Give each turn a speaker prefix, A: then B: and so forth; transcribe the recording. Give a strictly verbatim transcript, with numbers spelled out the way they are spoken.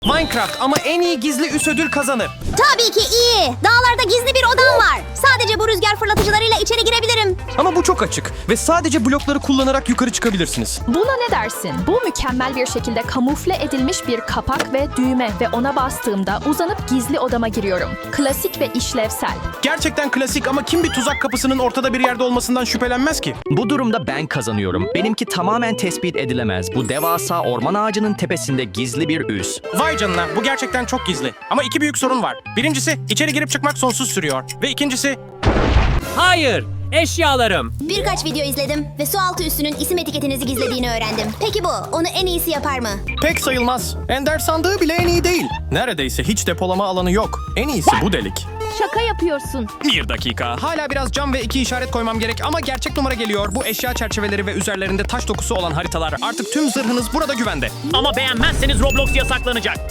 A: Minecraft ama en iyi gizli üs ödül kazanır.
B: Tabii ki iyi. Dağlarda gizli bir odam var. Sadece bu rüzgar fırlatıcılarıyla içeri girebilirim.
A: Ama bu çok açık ve sadece blokları kullanarak yukarı çıkabilirsiniz.
C: Buna ne dersin? Bu mükemmel bir şekilde kamufle edilmiş bir kapak ve düğme ve ona bastığımda uzanıp gizli odama giriyorum. Klasik ve işlevsel.
A: Gerçekten klasik ama kim bir tuzak kapısının ortada bir yerde olmasından şüphelenmez ki?
D: Bu durumda ben kazanıyorum. Benimki tamamen tespit edilemez. Bu devasa orman ağacının tepesinde gizli bir üs.
A: Vay canına, bu gerçekten çok gizli. Ama iki büyük sorun var. Birincisi, içeri girip çıkmak sonsuz sürüyor. Ve ikincisi...
E: Hayır, eşyalarım.
B: Birkaç video izledim ve su altı üssünün isim etiketinizi gizlediğini öğrendim. Peki bu, onu en iyisi yapar mı?
A: Pek sayılmaz. Ender sandığı bile en iyi değil. Neredeyse hiç depolama alanı yok. En iyisi bu delik.
C: Şaka yapıyorsun.
A: Bir dakika. Hala biraz cam ve iki işaret koymam gerek ama gerçek numara geliyor. Bu eşya çerçeveleri ve üzerlerinde taş dokusu olan haritalar. Artık tüm zırhınız burada güvende.
E: Ama beğenmezseniz Roblox yasaklanacak.